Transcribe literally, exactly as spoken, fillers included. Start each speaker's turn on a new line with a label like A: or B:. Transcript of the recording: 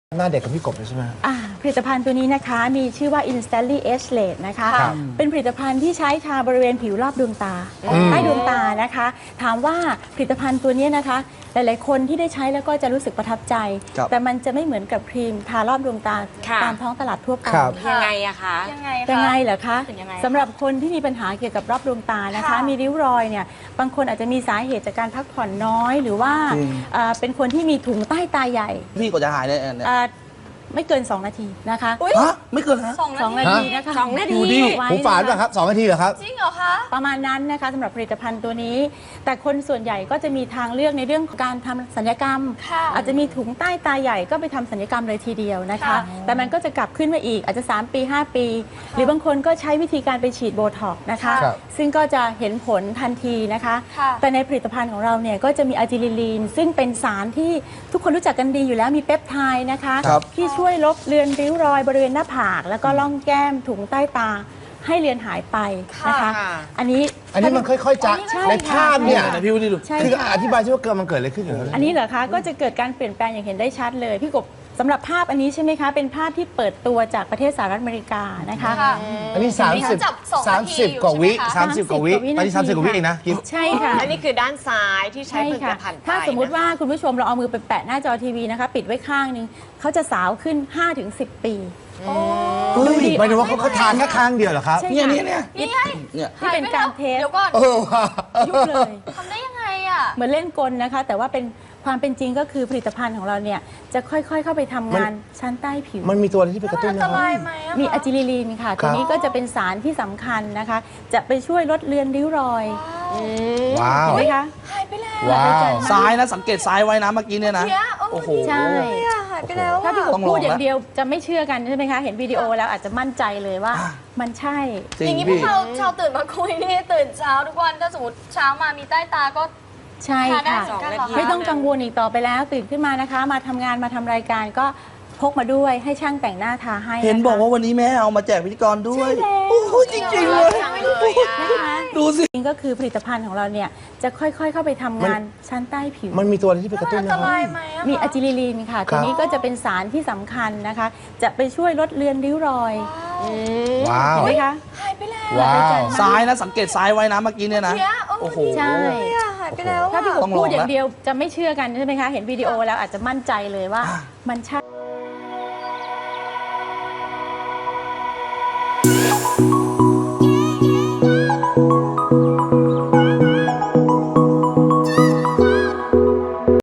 A: หน้าเด็กกับพี่กบใช่ไหม
B: ผลิตภัณฑ์ตัวนี้นะคะมีชื่อว่า Instantly Age Late นะคะเป็นผลิตภัณฑ์ที่ใช้ทาบริเวณผิวรอบดวงตาใต้ดวงตานะคะถามว่าผลิตภัณฑ์ตัวนี้นะคะหลายๆคนที่ได้ใช้แล้วก็จะรู้สึกประทับใจแต่มันจะไม่เหมือนกับครีมทารอบดวงตาตามท้องตลาดทั่วไป
C: ยังไงอะคะ
B: ยังไงยังไงเหรอคะสำหรับคนที่มีปัญหาเกี่ยวกับรอบดวงตานะคะมีริ้วรอยเนี่ยบางคนอาจจะมีสาเหตุจากการพักผ่อนน้อยหรือว่าเป็นคนที่มีถุงใต้ตาใหญ่
D: พี่ก็จะหายได้เนี่ย
B: ไม่เกินสองนาทีนะคะ
D: ฮะไม่เกินฮะ
B: สองนาทีนะคะ
C: สองนาที
A: หูฝาดป่ะครับสองนาทีเหรอครับ
B: จริงเหรอคะประมาณนั้นนะคะสำหรับผลิตภัณฑ์ตัวนี้ แต่คนส่วนใหญ่ก็จะมีทางเลือกในเรื่องของการทำศัลยกรรมอาจจะมีถุงใต้ตาใหญ่ก็ไปทำศัลยกรรมเลยทีเดียวนะคะแต่มันก็จะกลับขึ้นมาอีกอาจจะสามปีห้าปีหรือบางคนก็ใช้วิธีการไปฉีดโบท็อกซ์นะคะซึ่งก็จะเห็นผลทันทีนะคะแต่ในผลิตภัณฑ์ของเราเนี่ยก็จะมีอะจิลิลีนซึ่งเป็นสารที่ทุกคนรู้จักกันดีอยู่แล้วมีเปปไทด์นะคะที่ช่วยลบเลือนริ้วรอยบริเวณหน้าผากแล้วก็ล่องแก้มถุงใต้ตาให้เลือนหายไปนะคะอันนี้
A: อันนี้มันค่อยๆจะในภาพเนี่ย
D: พี่วิดีดู
A: คืออธิบายใช่ว่าเกิดมันเกิดอะไรขึ้นเหรอ
B: อันนี้เหรอคะก็จะเกิดการเปลี่ยนแปลงอย่างเห็นได้ชัดเลยพี่กบสำหรับภาพอันนี้ใช่ไหมคะเป็นภาพที่เปิดตัวจากประเทศสหรัฐอเมริกานะคะ
A: อันนี้สามสิบ สามสิบกว่าวิสามสิบกว่าวิตอนนี้สามสิบกว่าวิเองนะ
B: ใช่ค่ะ
C: อันนี้คือด้านซ้ายที่ใช้ผลิตภัณฑ์
B: ถ้าสมมุติว่าคุณผู้ชมเราเอามือไปแปะหน้าจอทีวีนะคะปิดไว้ข้างนึงเขาจะสาวขึ้น ห้าถึงสิบ ปี
A: ดูดิหมายถึงว่าเขาทานแค่ข้างเดียวเหรอครับ
D: เนี่ยเนี่ยเนี่ย
B: นี่เป็นการเทส
A: เออว่ะ
B: ยุบเลย
E: ทำได้ยังไงอ่ะ
B: เหมือนเล่นกลนะคะแต่ว่าเป็นความเป็นจริงก็คือผลิตภัณฑ์ของเราเนี่ยจะค่อยๆเข้าไปทำงานชั้นใต้ผิว
A: มันมีตัวอะไรที่ไปกระตุ้น
E: นะครับ
B: มีอะจิลิลีนค่ะตัวนี้ก็จะเป็นสารที่สำคัญนะคะจะไปช่วยลดเลือนริ้วรอย
A: ว้าว
B: เห็นไหมคะ
E: หายไปแล้ว
A: ว้าว
D: ซ้ายนะสังเกตซ้ายไว้นะเมื่อกี้เนี่ยนะ
E: โอ้โห
B: ใช่
E: หายไปแล้ว
B: ถ้าพี่กบพูดอย่างเดียวจะไม่เชื่อกันใช่ไหมคะเห็นวิดีโอแล้วอาจจะมั่นใจเลยว่ามันใช่
E: อย่างนี้พวกเราชาวตื่นมาคุยนี่ตื่นเช้าทุกวันถ้าสมมติเช้ามามีใต้ตาก็
B: ใช่ค่ะไม่ต้องกังวลอีกต่อไปแล้วตื่นขึ้นมานะคะมาทำงานมาทำรายการก็พกมาด้วยให้ช่างแต่งหน้าทาให้
D: เห็นบอกว่าวันนี้แม่เอามาแจกพิธีกรด้วยโอ้โหจริงๆเลยดูสิ
B: ก็คือผลิตภัณฑ์ของเราเนี่ยจะค่อยๆเข้าไปทำงานชั้นใต้ผิว
A: มันมีตัวอะไรที่ไปกระตุ้นนะครับ
B: มีอะจิลิลีนค่ะตัวนี้ก็จะเป็นสารที่สำคัญนะคะจะไปช่วยลดเลือนริ้วรอย
A: ว้าว
B: เห็นไหมคะ
E: หายไปแล้ว
A: ว้าว
D: ซ้ายนะสังเกตซ้ายไว้นะเมื่อกี้เนี่ยนะโอ้โห
B: ใช่
E: หายไปแล้ว
B: ถ้าพี่กบพูดอย่างเดียวจะไม่เชื่อกันใช่ไหมคะเห็นวิดีโอแล้วอาจจะมั่นใจเลยว่ามันใช่